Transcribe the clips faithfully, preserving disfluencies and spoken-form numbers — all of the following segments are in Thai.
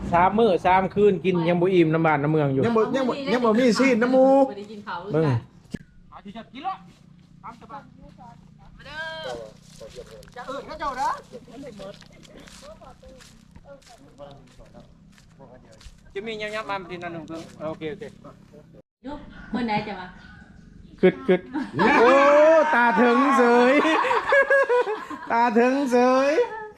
สามมื้อสามคืนกินยังบ่อิ่มน้ำบ้านน้ำเมืองอยู่ยังบ่ยังบ่ยังบ่มีซีนน้ำมูเบิ่งจะเอิ้นเขาเจ้าเด้อจะมียับๆมาทีนั้นนึงเพิ่งโอเคโอเคยุบคนไหนจะมาคึดคึดโอ้ตาถึงเสยตาถึงเสย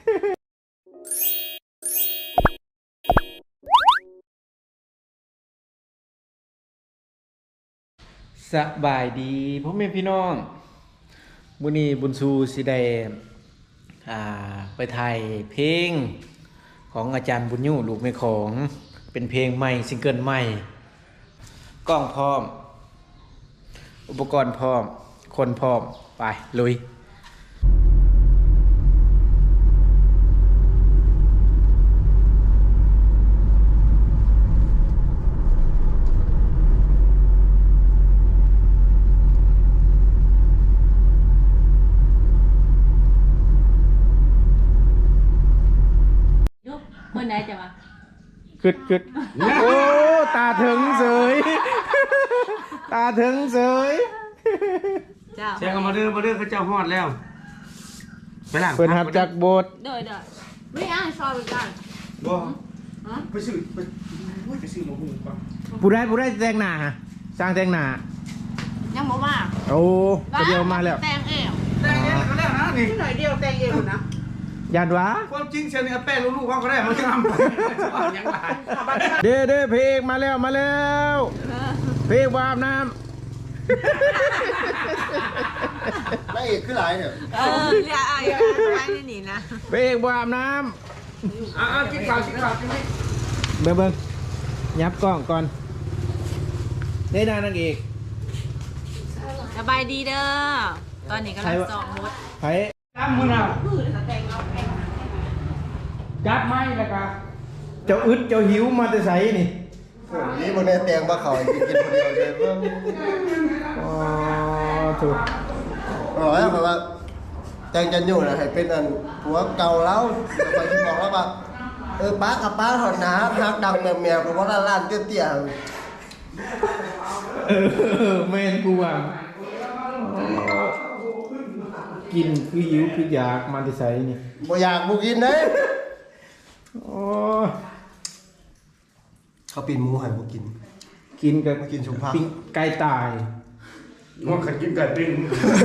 สบายดีพ่อแม่พี่น้องมื้อนี้บุญชูสิได้อ่าไปถ่ายเพลงของอาจารย์บุญยู่ลูกแม่ของเป็นเพลงใหม่ซิงเกิลใหม่กล้องพร้อมอุปกรณ์พร้อมคนพร้อมไปลุยยุบคนไหนจะมาคึดคึดโอ้ตาถึงเสยตาถึงเสยเจ้าแซงมาเด้อมาเด้อเขาเจ้าฮอดแล้วไปหลังเพิ่นหับจากโบสถ์เด้อเด้อไม่อ้างซอยไปกันบ่ไปซื้อไปไปซื้อมาหุงก่อนผู้ได้ผู้ได้แต่งหน้าฮะสร้างแต่งหน้ายังบ่มาโอ้เดียวมาแล้วแต่งเองแต่งเองก็แล้วนะนี่หน่อยเดียวแต่งเองนะยานวะความจริงเชียวนี่แป้งลูกๆเขาก็ได้มันจะทำยังไงเด้อเด้อเพลงมาแล้วมาแล้วเพลงวาบน้ำไม่เอกคือหลายเนี่ยเออเรียกอะไรไม่ได้หนีนะเพลงวาบน้ำอ่ากินข้าวกินข้าวกินนี่เบิ่งเบิ่งยับกล้องก่อนได้นานางเอกสบายดีเด้อตอนนี้กำลังสอบมุดไผจับมือน่ะจับไม้แล้วก็เจ้าอึดเจ้าหิวมาแต่ไสนี่นี่มันได้แตงมาเขากินกินคนเดียวเลยว่าอ๋อถูกอ๋อแล้วแบบว่าแตงจันอยู่นะให้เป็นอันหัวเก่าแล้วไปที่บอกแล้วว่าเออป้ากับป้าถอดน้ำพักดังแมวแมวเพราะว่าล้านเตี้ยเออแม่นกูว่ากินคือหิวคืออยากมาแต่ไสนี่บ่อยากบ่กินเด้อ๋อเขาปีนหมูให้บ่กินกินกับกินชุบผักปิ้งไก่ตายว่าใครกินไก่ปิ้ง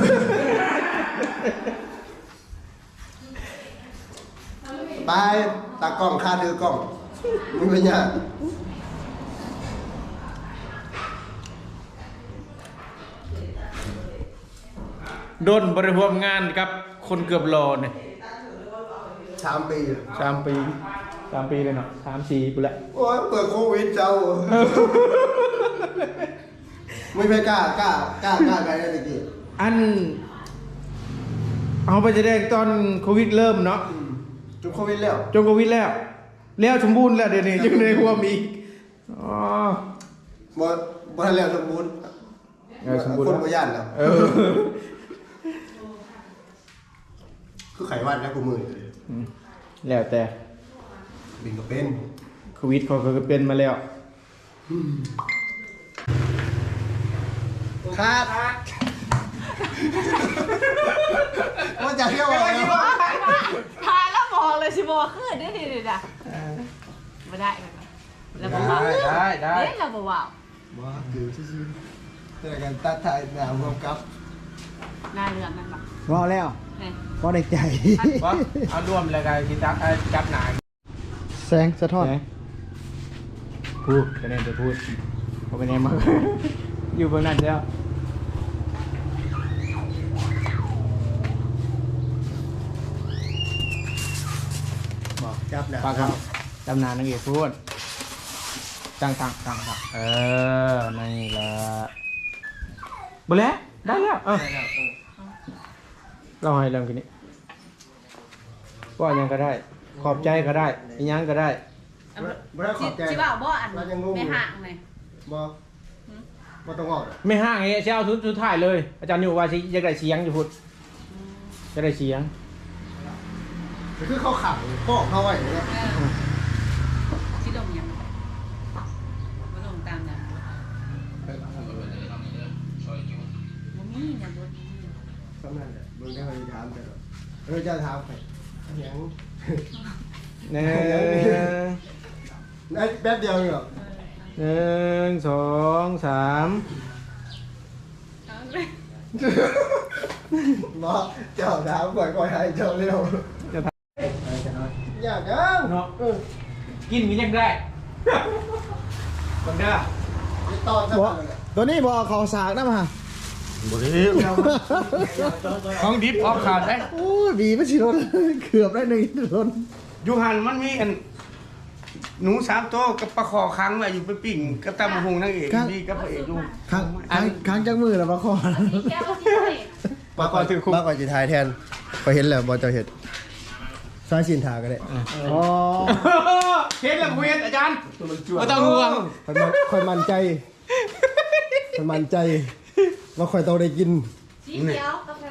ไปตากล้องค่าดื้อกล้องมึงเป็นยังโดนบริหารงานกับคนเกือบรอเนี่ยสามปีสามปีสามปีเลยเนาะสามสี่ปีละโอ้ยเปิดโควิดเจ้าไม่ไปกล้ากล้ากล้ากล้าไปได้ตะกี้อันเอาไปแสดงตอนโควิดเริ่มเนาะจนโควิดแล้วจนโควิดแล้วแล้วสมบูรณ์แล้วเดี๋ยวนี้จึงในหัวมีอ๋อบ่บ่ทันแล้วสมบูรณ์สมบูรณ์คนบ่ย่านแล้วเออคือไขวันนะกูมือแล้วแต่บินก็เป็นโควิดเขาก็เป็นมาแล้วครับว่าจะเที่ยวอะไรทายแล้วบอกเลยสิบอกขึ้นได้ดีเลยนะไม่ได้แล้วบอกว่าได้ได้เล่นแล้วบอกว่าว่าคือซื่อๆแต่กันตัดถ่ายหนาวรวมกับนายเรื่องนั่นปะว่าแล้วพอในใจเอารวมเลยกันที่จับจับหนาแสงสะท้อนพูดคะแนนจะพูดเขาไปไหนมาอยู่เบื้องนั้นแล้วบอกจับนะปากครับจำนานนักเอกพูดตั้งตั้งตั้งตั้งเออนี่แหละบแล้วได้แล้วเออเราให้เริ่มกันนี้ว่ายังก็ได้ขอบใจก็ได้ยังก็ได้บ่ได้ขอบใจจิบ่าวบ่อันไม่ห่างเลยบ่บ่ต้องออกไม่ห่างไงเช้าสุดท้ายเลยอาจารย์อยู่ว่าสิจะได้เสียงอยู่พุทธจะได้เสียงคือเขาขังป้องเขาไว้เนี่ยชิดมเออจะถามไปยังหนึ่งไอ้แป๊บเดียวเหรอหนึ่งสองสามบอกเจ้าถามก่อนก่อนให้เจ้าเร็วจะทอยากยังำเนาะกินมียังได้คนเด้อตอนจะบ่ตัวนี้บ่เขาสากนะมาของดิบออกขาดได้โอ้ยบีไม่ชิรนเกือบได้หนึ่งรนอยู่หันมันมีอันหนูสามตัวกับปลาคอค้างไว้อยู่ไปปิ่งกับตำบักหงนางเอกมีกับพระเอกอยู่ค้างค้างค้างจังมือแล้วมาขอแก้วที่ไหนมาก่อนถือคุกมาก่อนจีทายแทนไปเห็นแล้วบอลเจ้าเห็ดซอยชินทาก็ได้อ๋อเฮ็ดแล้วเฮ็ดอาจารย์บ่ต้องห่วงคอยมันคอยมั่นใจคอยมั่นใจว่าคอยต้องได้กินสีเขียวกับทะเล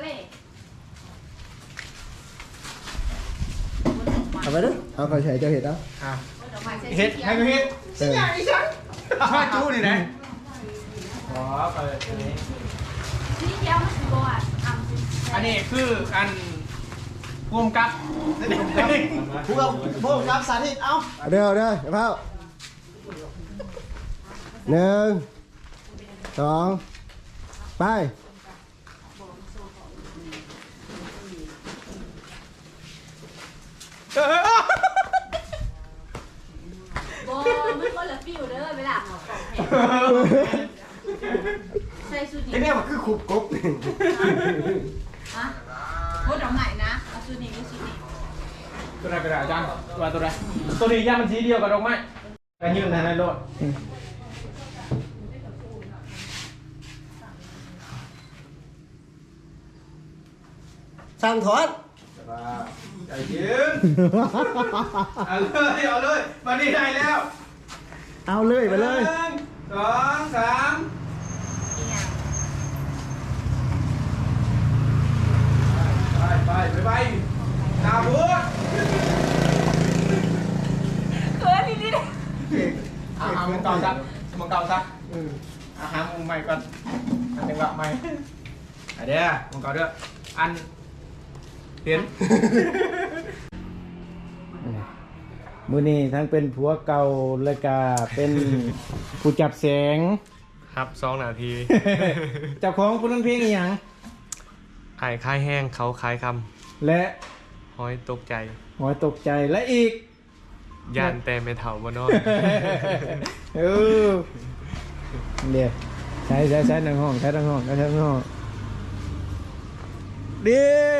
เอาไปเด้อเอาคอยใช้เจ้าเห็ดเอาเฮ็ดให้ก็เฮ็ดเออชอยจู้นี่นะขอเปิดอันนี้สีเขียวมันคือบ่อ่ะอ่ำสีอันนี้คืออันภูมิกับพวกพวกรับสาธิตเอาเอาเด้อเอาเด้อเดี๋ยวเผาหนึ่งสองไปบ่มันคนละฟิวเด้อเวลาหมอกของแห้งใส่สูตรไอ้เนี่ยมันคือขุบกบนี่ฮะโคตรเอาใหม่นะเอาสูตรนี้กับสูตรนี้ตัวไหนกระดาษอาจารย์ว่าตัวไหนตัวนี้ย่ามันสีเดียวกับดอกไม้กันยืนในรถสั่งถอนไอ้ยืนเอาเลยเอาเลยมานี่ได้แล้วเอาเลยไปเลยหนึ่งสองสามอีหยังไปไปไปไปตาบัวเขินอีนี่เด้อาหารมันเก่าซะมันเก่าซะอาหารมุมใหม่ก่อนอันหนึ่งละใหม่อันเดียวมันเก่าเด้ออันเห็นมือนี้ทั้งเป็นผัวเก่าและกาเป็นผู้จับแสงครับสองนาทีเจ้าของผู้นั้นเพลงอหย่างไอ้คายแห้งเขาคายคและำห้อยตกใจหอยตกใจและอีกยานแต่ไม่เท่าบ่นอนเออเดี๋ยวใช้ใช้ใช้ทางห้องใช้ทางห้องใช้ทางห้องดี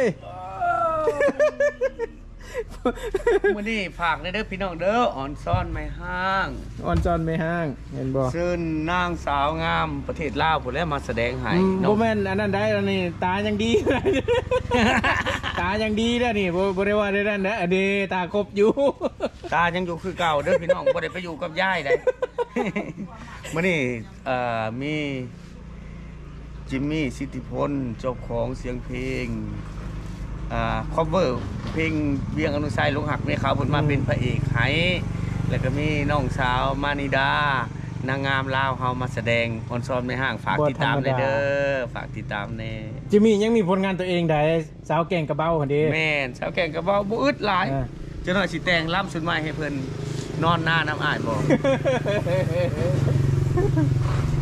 มื่อนี้ฝากเด้อพี่น้องเด้ออ่อนซ่อนไม่ห้างออนจอนไม่ห้างเห็นบ่ซึ่งนางสาวงามประเทศลาวผู้แล้วมาแสดงให้อืมน้อบ่งแม่นอันนั้นได้แล้วนี่ตายังดี ตายังดีแล้วนี่บ่บ่ได้ว่าได้นั่นนะอันนี้ตาครบอยู่ตายังอยู่คือเก่าเด้อพี่น้องบ่ได้ไปอยู่กับยายได้ มื่อนี้เอ่อมีจิมมี่สิทธิพลเจ้าของเสียงเพลงอ่าคอเวอร์เพลงเวียงอนุสัยลงหักเมฆขาวผลมาเป็นพระเอกให้แล้วก็มีน้องสาวมานิดานางงามลาวเฮามาแสดงออนซอนไม่ห่างฝากติดตามเลยเด้อฝากติดตามแน่จิมมี่ยังมีผลงานตัวเองได้สาวแก่งกระเบ้าหั่นเด้แม่นสาวแก่งก็บ่บ่อึดหลายอ่าเจ้าหน่อยสิแต่งล่ำสุดไม้ให้เพิ่นนอนหน้าน้ำอ้ายบ่